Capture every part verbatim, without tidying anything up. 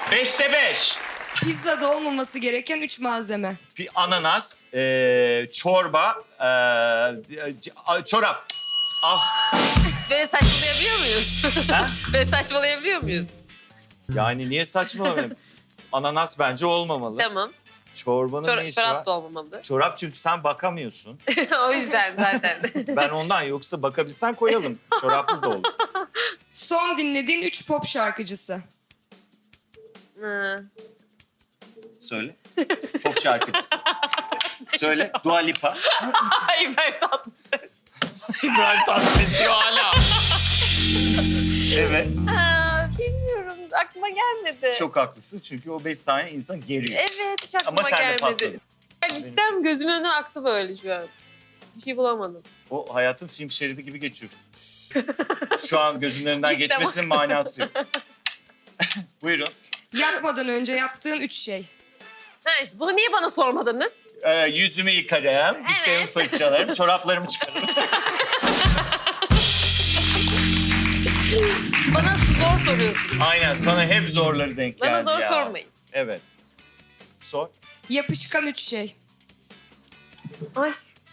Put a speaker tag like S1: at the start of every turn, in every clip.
S1: Beşte beş.
S2: Pizzada olmaması gereken üç malzeme.
S1: Bir ananas, ee, çorba, ee, c- çorap. Ah,
S3: Böyle saçmalayabiliyor muyuz?
S1: ha?
S3: Böyle saçmalayabiliyor muyuz?
S1: Yani niye saçmalamayayım? Ananas bence olmamalı.
S3: Tamam.
S1: Çorbanın
S3: Çor
S1: ne işi var?
S3: çorap da olmamalı.
S1: Çorap çünkü sen bakamıyorsun.
S3: O yüzden zaten.
S1: Ben ondan, yoksa bakabilsen koyalım. Çoraplı da olur.
S2: Son dinlediğin üç pop şarkıcısı.
S3: Hı.
S1: Söyle. Pop şarkıcısı. Söyle. Dua Lipa.
S3: Ay ben tatlı ses.
S1: İbrahim Tatlıses diyor hala. Evet.
S3: Aa, bilmiyorum. Aklıma gelmedi.
S1: Çok haklısın çünkü o beş saniye insan geriyor.
S3: Evet, hiç aklıma
S1: Ama sen de
S3: gelmedi.
S1: patladın.
S3: Ya, listem gözümün önünden aktı böyle şu an. Bir şey bulamadım.
S1: O hayatın film şeridi gibi geçiyor. Şu an gözümün önünden
S3: Listem
S1: geçmesinin manası yok. Buyurun.
S2: Yatmadan önce yaptığın üç şey.
S3: Ha işte bunu niye bana sormadınız?
S1: Ee, yüzümü yıkarım, dişlerimi
S3: Evet.
S1: fırçalarım, çoraplarımı çıkarırım.
S3: Bana zor soruyorsunuz.
S1: Aynen, sana hep zorları denk geldi
S3: Bana zor
S1: ya.
S3: sormayın.
S1: Evet. Sor.
S2: Yapışkan üç şey.
S3: Ay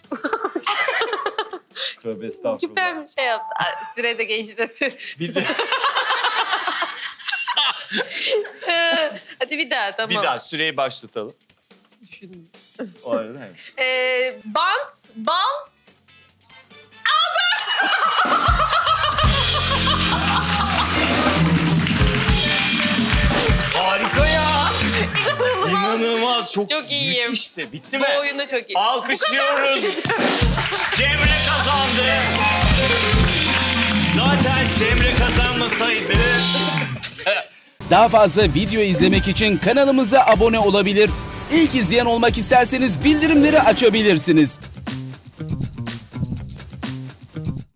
S1: Tövbe estağfurullah.
S3: süper bir şey yaptı. Ay, sürede geçti. Tüh.
S1: Bir, de,
S3: Ee, Hadi bir daha tamam.
S1: bir daha süreyi başlatalım.
S3: Düşündüm.
S1: O arada evet.
S3: Ee, bant, bal,
S1: Harika ya.
S3: İnanılmaz.
S1: İnanılmaz. Çok,
S3: Çok iyiyim.
S1: müthişti. Bitti
S3: Bu
S1: mi?
S3: oyunda çok iyi.
S1: Alkışlıyoruz. Cemre kazandı. Zaten Cemre kazanmasaydı...
S4: Daha fazla video izlemek için kanalımıza abone olabilir. İlk izleyen olmak isterseniz bildirimleri açabilirsiniz.